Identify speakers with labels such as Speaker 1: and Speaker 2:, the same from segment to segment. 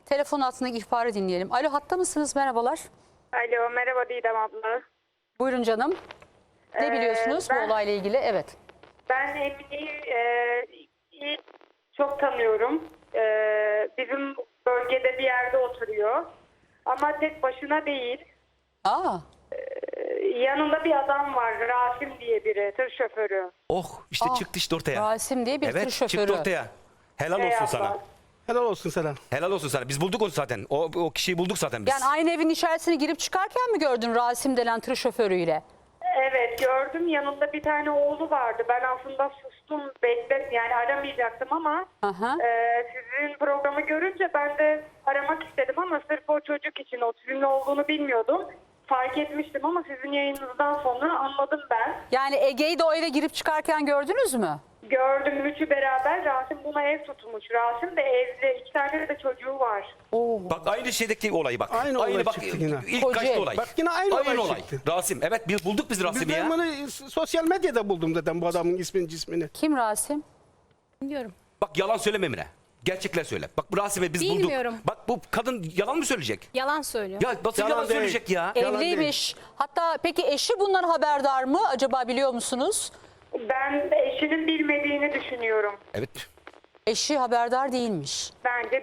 Speaker 1: Telefon altındaki ihbarı dinleyelim. Alo, hatta mısınız? Merhabalar.
Speaker 2: Alo, merhaba Didem abla.
Speaker 1: Buyurun canım. Ne biliyorsunuz bu olayla ilgili? Evet.
Speaker 2: Ben Emine'yi çok tanıyorum. Bizim bölgede bir yerde oturuyor. Ama tek başına değil.
Speaker 1: Aa,
Speaker 2: Yanında bir adam var, Rasim diye biri, tır şoförü.
Speaker 3: Oh işte çıktı işte ortaya.
Speaker 1: Rasim diye bir tır
Speaker 3: Evet
Speaker 1: şoförü.
Speaker 3: çıktı ortaya. Helal olsun
Speaker 2: abla.
Speaker 3: sana.
Speaker 4: Helal olsun sana.
Speaker 3: Helal olsun sana. Biz bulduk onu zaten. O kişiyi bulduk zaten biz.
Speaker 1: Yani aynı evin içerisine girip çıkarken mi gördün Rasim denen tır şoförüyle?
Speaker 2: Evet, gördüm. Yanında bir tane oğlu vardı. Ben aslında sustum, yani aramayacaktım ama
Speaker 1: Aha.
Speaker 2: sizin programı görünce ben de aramak istedim ama sırf o çocuk için, o sizin olduğunu bilmiyordum. Fark etmiştim ama sizin yayınınızdan sonra anladım ben.
Speaker 1: Yani Ege'yi de o eve girip çıkarken gördünüz mü?
Speaker 2: Gördüm, üçü beraber. Rasim buna ev tutmuş. Rasim de evli. 2 tane de çocuğu var.
Speaker 1: Oo.
Speaker 3: Bak aynı şeydeki olayı bak.
Speaker 4: Aynı olay
Speaker 3: bak,
Speaker 4: çıktı yine.
Speaker 3: İlk
Speaker 1: Kocaeli.
Speaker 3: kaçtı olay.
Speaker 4: Bak yine aynı olay çıktı.
Speaker 3: Rasim. Evet biz bulduk biz Rasim'i
Speaker 4: Ben
Speaker 3: ya.
Speaker 4: bunu sosyal medyada buldum zaten bu adamın ismini cismini.
Speaker 1: Kim Rasim?
Speaker 5: Bilmiyorum.
Speaker 3: Bak yalan söyleme Emine. Gerçekler söyle. Bak bu Rasim'i biz
Speaker 5: Bilmiyorum.
Speaker 3: bulduk. Bak bu kadın yalan mı söyleyecek?
Speaker 5: Yalan söylüyor.
Speaker 3: Ya nasıl
Speaker 4: Yalan
Speaker 3: yalan
Speaker 4: değil.
Speaker 3: söyleyecek ya?
Speaker 4: Yalan
Speaker 1: Evliymiş. Hatta peki eşi bundan haberdar mı? Acaba biliyor musunuz?
Speaker 2: Ben eşinin bilmediğini düşünüyorum.
Speaker 3: Evet.
Speaker 1: Eşi haberdar değilmiş.
Speaker 2: Bence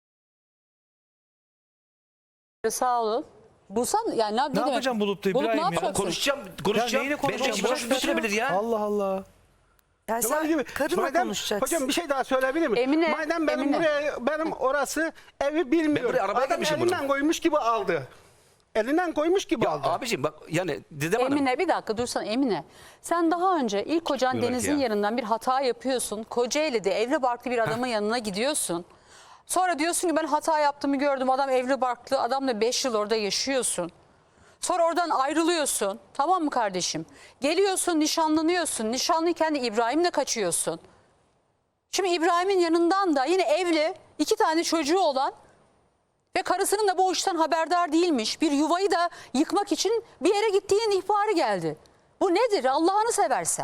Speaker 1: Sağ olun. Bulsan yani ne demek?
Speaker 6: yapacağım bulup da
Speaker 1: Bulup ne
Speaker 6: İbrahim ya?
Speaker 1: yapacaksın?
Speaker 3: Konuşacağım.
Speaker 6: neyini konuşacağım?
Speaker 3: Benim eşime
Speaker 6: Boş
Speaker 3: nasıl
Speaker 6: ver
Speaker 3: düşünebilir ya?
Speaker 4: Allah Allah.
Speaker 7: Ya
Speaker 4: Kemal
Speaker 7: sen
Speaker 4: gibi.
Speaker 7: karınla
Speaker 4: Madem-
Speaker 7: konuşacaksın.
Speaker 4: Hocam bir şey daha söyleyebilir miyim?
Speaker 1: Emine,
Speaker 4: Madem benim
Speaker 1: Emine.
Speaker 4: benim orası evi bilmiyorum.
Speaker 3: Ben buraya arabaya
Speaker 4: Adam
Speaker 3: gelmişim
Speaker 4: elinden
Speaker 3: bunun.
Speaker 4: koymuş gibi aldı. Elinden koymuş gibi
Speaker 3: Ya
Speaker 4: aldı.
Speaker 3: abicim bak yani Didem Hanım.
Speaker 1: Emine bir dakika dursana Emine. Sen daha önce ilk kocan
Speaker 3: Çıkmıyor
Speaker 1: Deniz'in
Speaker 3: belki ya.
Speaker 1: yanından bir hata yapıyorsun. Kocaeli'de evli barklı bir adamın yanına gidiyorsun. Sonra diyorsun ki ben hata yaptığımı gördüm. Adam evli barklı. Adamla 5 yıl orada yaşıyorsun. Sonra oradan ayrılıyorsun. Tamam mı kardeşim? Geliyorsun nişanlanıyorsun. Nişanlıyken de İbrahim'le kaçıyorsun. Şimdi İbrahim'in yanından da yine evli 2 tane çocuğu olan ve karısının da bu işten haberdar değilmiş. Bir yuvayı da yıkmak için bir yere gittiğin ihbarı geldi. Bu nedir Allah'ını seversen?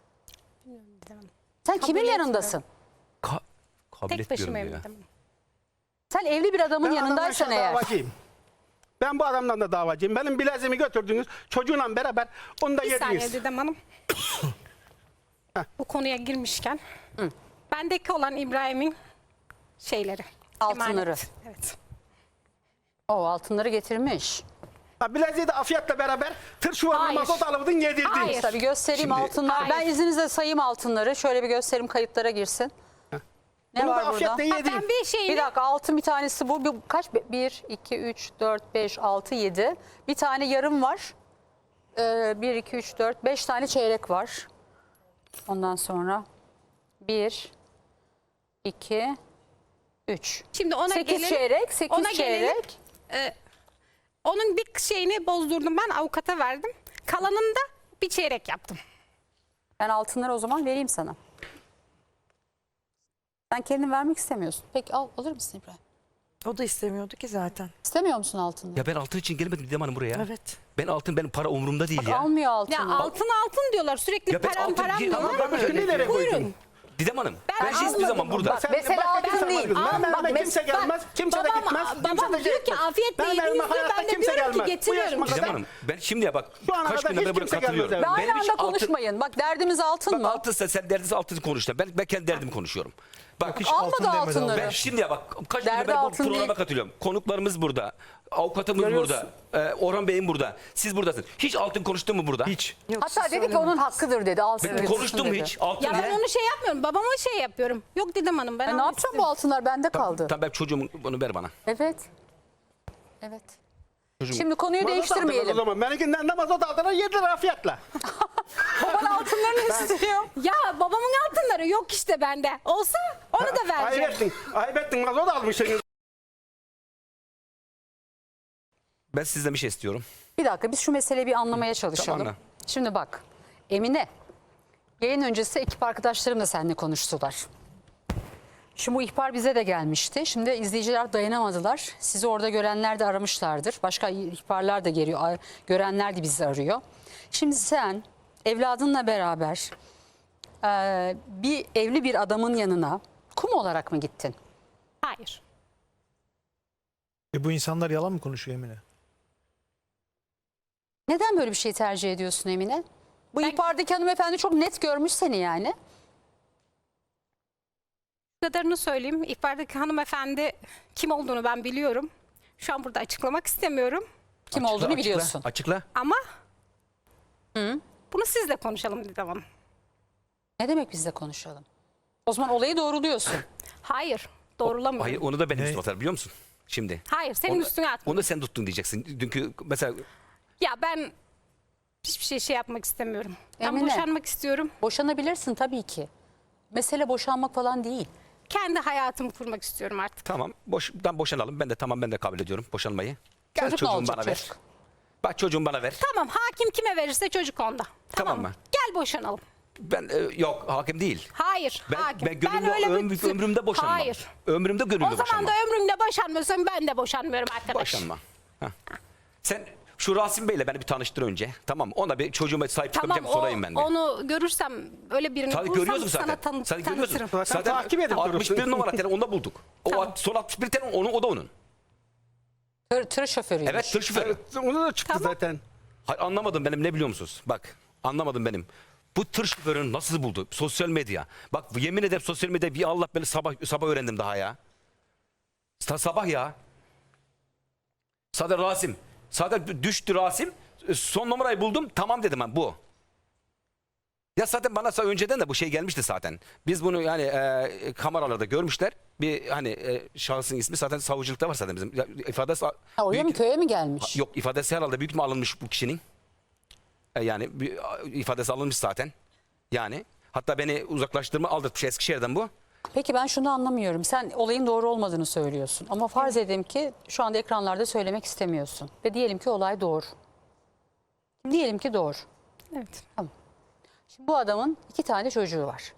Speaker 1: Sen kimin
Speaker 5: etmiyorum.
Speaker 1: yanındasın?
Speaker 3: Kabul
Speaker 5: Tek başıma
Speaker 3: etmiyorum ya.
Speaker 5: evliydim.
Speaker 1: Sen evli bir adamın
Speaker 4: Ben
Speaker 1: yanındaysan
Speaker 4: adamdan
Speaker 1: eğer.
Speaker 4: davacıyım. Ben bu adamdan da davacıyım. Benim bileziğimi götürdünüz. Çocuğuyla beraber onu da
Speaker 5: Bir saniye
Speaker 4: yediniz.
Speaker 5: Didem Hanım. Bu konuya girmişken. Bendeki olan İbrahim'in şeyleri.
Speaker 1: Altınları.
Speaker 5: emanet. Evet.
Speaker 1: O altınları getirmiş.
Speaker 4: Ha, bileziği de Afiyet'le beraber tır çuvalına
Speaker 5: Hayır.
Speaker 4: mazot alıverdin yedirdin.
Speaker 5: Hayır.
Speaker 1: Tabii göstereyim
Speaker 3: Şimdi-
Speaker 1: altınlar. Ben
Speaker 5: Hayır.
Speaker 1: izninizle sayayım altınları. Şöyle bir göstereyim kayıtlara girsin. Ne
Speaker 4: Bunu da
Speaker 1: var burada?
Speaker 4: Afiyet'le yedin.
Speaker 5: Ben bir şeyini
Speaker 1: Bir dakika altın bir tanesi bu. Kaç? 1, 2, 3, 4, 5, 6, 7. Bir tane yarım var. 1, 2, 3, 4, 5 tane çeyrek var. Ondan sonra 1, 2, 3.
Speaker 5: şimdi ona
Speaker 1: 8
Speaker 5: gelin.
Speaker 1: çeyrek, 8
Speaker 5: ona gelelim.
Speaker 1: çeyrek.
Speaker 5: Onun bir şeyini bozdurdum, ben avukata verdim. Kalanını da bir çeyrek yaptım.
Speaker 1: Ben altınları o zaman vereyim sana. Sen kendin vermek istemiyorsun. Peki alır mısın İbrahim?
Speaker 7: O da istemiyordu ki zaten.
Speaker 1: İstemiyor musun altınları?
Speaker 3: Ya ben altın için gelmedim Didem Hanım buraya.
Speaker 7: Evet.
Speaker 3: Benim para umurumda değil
Speaker 1: Bak,
Speaker 3: ya.
Speaker 1: almıyor
Speaker 5: Ya
Speaker 1: altını.
Speaker 5: altın diyorlar sürekli,
Speaker 3: Ya ben
Speaker 5: param
Speaker 3: altın
Speaker 5: param
Speaker 3: değil ama
Speaker 5: diyorlar.
Speaker 4: Ben başka nereye koydun?
Speaker 5: Buyurun.
Speaker 3: Didem Hanım
Speaker 5: Ben
Speaker 3: ben hiçbir
Speaker 5: almadım.
Speaker 3: zaman burada.
Speaker 1: Bak, mesela
Speaker 4: başka
Speaker 1: altın
Speaker 4: kimse
Speaker 1: değil.
Speaker 4: almaz. Benim
Speaker 1: Bak,
Speaker 4: evime kimse
Speaker 1: bak,
Speaker 4: gelmez. Kimse de
Speaker 5: babam-
Speaker 4: gitmez.
Speaker 5: babam
Speaker 4: Kimse de
Speaker 5: diyor ki,
Speaker 4: gitmez.
Speaker 5: afiyetle
Speaker 4: Benim
Speaker 5: yediniz
Speaker 4: evime
Speaker 5: diyor,
Speaker 4: hayatta
Speaker 5: ben de
Speaker 4: kimse
Speaker 5: diyorum ki
Speaker 4: gelmez. Bu
Speaker 5: getiriyorum.
Speaker 4: yaşıma
Speaker 3: Didem
Speaker 4: kadar-
Speaker 3: Hanım ben şimdi ya bak
Speaker 4: Şu ana
Speaker 3: kaç
Speaker 4: kadar
Speaker 3: günden
Speaker 4: hiç
Speaker 3: beri buraya
Speaker 4: kimse
Speaker 3: katılıyorum.
Speaker 4: gelmez
Speaker 1: Ve
Speaker 4: evime.
Speaker 1: aynı
Speaker 3: Benim hiç
Speaker 1: anda
Speaker 3: altın-
Speaker 1: konuşmayın. Bak derdimiz altın
Speaker 3: Bak
Speaker 1: mı?
Speaker 3: altınsa sen derdiniz altını konuş da. Ben kendi derdimi konuşuyorum. Bak
Speaker 6: hiç
Speaker 1: Almadı
Speaker 6: altın demedi
Speaker 1: altınları.
Speaker 3: ben şimdi ya bak kaç
Speaker 1: Derdi
Speaker 3: günden beri bu
Speaker 1: altın
Speaker 3: programa
Speaker 1: değil.
Speaker 3: katılıyorum. Konuklarımız burada. Avukatımız
Speaker 1: Görüyorsun.
Speaker 3: burada. Orhan Bey'im burada. Siz buradasınız. Hiç altın konuştun mu burada?
Speaker 6: Hiç.
Speaker 7: Yok,
Speaker 1: Hatta
Speaker 7: siz
Speaker 1: dedi ki
Speaker 7: söylemeyin.
Speaker 1: onun hakkıdır dedi. Alsın
Speaker 3: Ben
Speaker 1: dedi.
Speaker 3: konuştum mu
Speaker 1: dedi.
Speaker 3: hiç? Altın
Speaker 5: Ya ben
Speaker 3: ne?
Speaker 5: onu şey yapmıyorum, babama şey yapıyorum. Yok Didem Hanım, ben
Speaker 1: Ne
Speaker 5: almak
Speaker 1: yapacağım bu altınlar bende kaldı.
Speaker 3: Tamam ben çocuğumun bunu ver bana.
Speaker 1: Evet. Evet.
Speaker 3: Çocuğum.
Speaker 1: Şimdi konuyu
Speaker 4: Mazot aldılar O
Speaker 1: değiştirmeyelim.
Speaker 4: zaman. Benimkinden de mazot aldılar yediler Afiyet'le.
Speaker 1: Baban altınlarını istiyor.
Speaker 5: Ya babamın altınları yok işte bende. Olsa onu da vereceğim.
Speaker 4: Ayıp ettin. Ayıp ettin. Mazot almışsınız.
Speaker 3: Ben sizden bir şey istiyorum.
Speaker 1: Bir dakika biz şu meseleyi bir anlamaya çalışalım.
Speaker 3: Tamam.
Speaker 1: Şimdi bak Emine yayın öncesi ekip arkadaşlarım da seninle konuştular. Şimdi bu ihbar bize de gelmişti. Şimdi izleyiciler dayanamadılar. Sizi orada görenler de aramışlardır. Başka ihbarlar da geliyor. Görenler de bizi arıyor. Şimdi sen evladınla beraber bir evli bir adamın yanına kum olarak mı gittin?
Speaker 5: Hayır.
Speaker 6: Bu insanlar yalan mı konuşuyor Emine?
Speaker 1: Neden böyle bir şey tercih ediyorsun Emine? Bu ihbardaki hanımefendi çok net görmüş seni yani.
Speaker 5: Bu kadarını söyleyeyim. İhbardaki hanımefendi kim olduğunu ben biliyorum. Şu an burada açıklamak istemiyorum.
Speaker 1: Kim
Speaker 3: Açıkla,
Speaker 1: olduğunu
Speaker 3: açıkla,
Speaker 1: biliyorsun.
Speaker 3: Açıkla.
Speaker 5: Ama bunu sizle konuşalım Didem Hanım.
Speaker 1: Ne demek bizle konuşalım? O zaman olayı doğruluyorsun.
Speaker 5: Hayır. Doğrulamıyorum.
Speaker 3: Hayır, onu da benim üstüme atar biliyor musun? Şimdi.
Speaker 5: Hayır, senin
Speaker 3: Onu-
Speaker 5: üstüne atma.
Speaker 3: Onu da sen tuttun diyeceksin. Dünkü mesela
Speaker 5: Ya ben hiçbir şey yapmak istemiyorum. Ben
Speaker 1: Emine.
Speaker 5: boşanmak istiyorum.
Speaker 1: Boşanabilirsin tabii ki. Mesele boşanmak falan değil.
Speaker 5: Kendi hayatımı kurmak istiyorum artık.
Speaker 3: tamam boşanalım. Ben de kabul ediyorum boşanmayı. Gel
Speaker 1: Çocuk ne
Speaker 3: çocuğumu
Speaker 1: olacak
Speaker 3: bana ver.
Speaker 1: çocuk?
Speaker 3: Bak çocuğumu bana ver.
Speaker 5: Tamam, hakim kime verirse çocuk onda.
Speaker 3: Tamam mı?
Speaker 5: Gel boşanalım.
Speaker 3: Ben yok hakim değil.
Speaker 5: Hayır, hakim.
Speaker 3: Ben gönlümde ömrümde boşanmam.
Speaker 5: Hayır.
Speaker 3: Ömrümde gönlümde
Speaker 5: O zaman
Speaker 3: boşanmam.
Speaker 5: da ömrümde boşanmıyorsan ben de boşanmıyorum arkadaş.
Speaker 3: Boşanma. Heh. Sen şu Rasim Bey'le beni bir tanıştır önce. Tamam ona bir çocuğuma sahip
Speaker 5: Tamam,
Speaker 3: çıkabileceğim sorayım ben de.
Speaker 5: onu görürsem öyle birini
Speaker 3: Tabii
Speaker 5: bulursam
Speaker 3: görüyorsun
Speaker 5: sana
Speaker 3: zaten. Sen görüyorsun.
Speaker 5: tanıtırım.
Speaker 4: Zaten takip edip
Speaker 3: 61
Speaker 4: durursun.
Speaker 3: numara telefonda bulduk. O
Speaker 5: Tamam.
Speaker 3: son 61 telefon o da onun.
Speaker 1: Tır şoförüymüş.
Speaker 3: Evet tır şoförü.
Speaker 4: Evet, onu da çıktı
Speaker 5: Tamam.
Speaker 4: zaten.
Speaker 3: Hayır, anlamadım benim ne biliyor musunuz? Bak anlamadım benim. Bu tır şoförünü nasıl buldu? Sosyal medya. Bak yemin ederim sosyal medya bir Allah beni sabah öğrendim daha ya. Sabah ya. Sadece Rasim. Sadece düştü Rasim. Son numarayı buldum. Tamam dedim ben bu. Ya zaten bana önceden de bu şey gelmişti zaten. Biz bunu yani kameralarda görmüşler. Bir hani şahsın ismi zaten savcılıkta var zaten bizim. İfadesi
Speaker 1: Ha, oraya mı köye mi gelmiş?
Speaker 3: Yok ifadesi herhalde büyük mü alınmış bu kişinin? Yani ifadesi alınmış zaten. Yani hatta beni uzaklaştırma aldırtmış Eskişehir'den bu.
Speaker 1: Peki ben şunu anlamıyorum. Sen olayın doğru olmadığını söylüyorsun. Ama farz edelim ki şu anda ekranlarda söylemek istemiyorsun. Ve diyelim ki olay doğru. Diyelim ki doğru.
Speaker 5: Evet.
Speaker 1: Şimdi bu adamın 2 tane çocuğu var.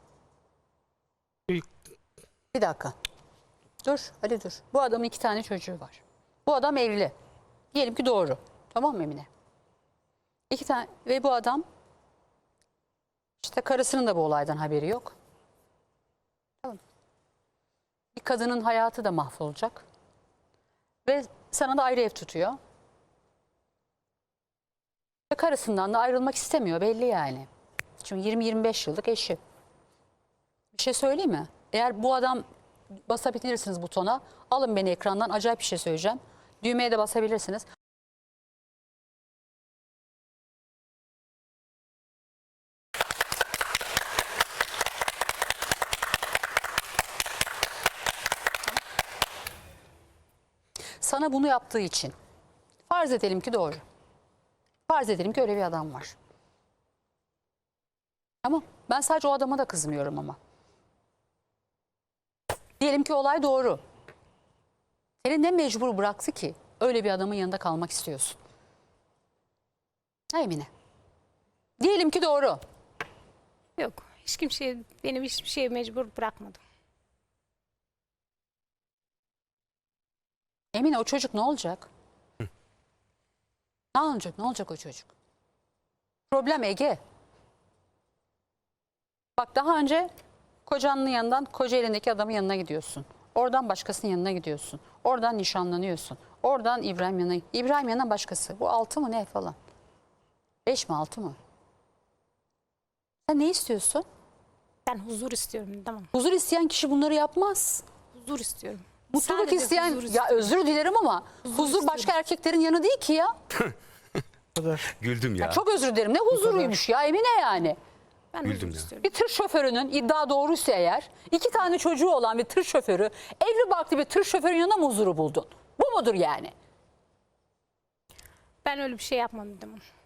Speaker 1: Bir dakika. Dur Ali dur. Bu adamın 2 tane çocuğu var. Bu adam evli. Diyelim ki doğru. Tamam mı Emine? 2 tane ve bu adam işte karısının da bu olaydan haberi yok. Tamam. Bir kadının hayatı da mahvolacak. Ve sana da ayrı ev tutuyor. Ve karısından da ayrılmak istemiyor belli yani. Çünkü 20-25 yıllık eşi. Bir şey söyleyeyim mi? Eğer bu adam basabilirsiniz butona. Alın beni ekrandan acayip bir şey söyleyeceğim. Düğmeye de basabilirsiniz. Sana bunu yaptığı için farz edelim ki doğru. Farz edelim ki öyle bir adam var. Tamam. Ben sadece o adama da kızmıyorum ama. Diyelim ki olay doğru. Seni ne mecbur bıraktı ki öyle bir adamın yanında kalmak istiyorsun? Ha Emine. Diyelim ki doğru.
Speaker 5: Yok. Hiç kimseye, benim hiçbir şeye mecbur bırakmadım.
Speaker 1: Emine o çocuk ne olacak? Ne olacak? Ne olacak o çocuk? Problem Ege. Bak daha önce kocanın yanından Kocaeli'ndeki adamın yanına gidiyorsun. Oradan başkasının yanına gidiyorsun. Oradan nişanlanıyorsun. Oradan İbrahim yanına. İbrahim yanına başkası. Bu 6 mı ne falan? 5 mi 6 mı? Sen ne istiyorsun?
Speaker 5: Ben huzur istiyorum. Tamam.
Speaker 1: Huzur isteyen kişi bunları yapmaz.
Speaker 5: Huzur istiyorum.
Speaker 1: Mutluluk
Speaker 5: Sadece
Speaker 1: isteyen
Speaker 5: huzur
Speaker 1: ya özür dilerim ama huzur başka
Speaker 5: istiyorum.
Speaker 1: erkeklerin yanı değil ki ya.
Speaker 6: Bu kadar.
Speaker 3: Güldüm ya.
Speaker 1: Çok özür dilerim. Ne huzuruymuş ya Emine yani.
Speaker 5: Ben
Speaker 3: Güldüm
Speaker 5: huzur
Speaker 3: ya.
Speaker 5: istiyorum.
Speaker 1: Bir tır şoförünün iddia doğruysa eğer 2 tane çocuğu olan bir tır şoförü evli barklı bir tır şoförün yanına mı huzuru buldun? Bu mudur yani?
Speaker 5: Ben öyle bir şey yapmadım.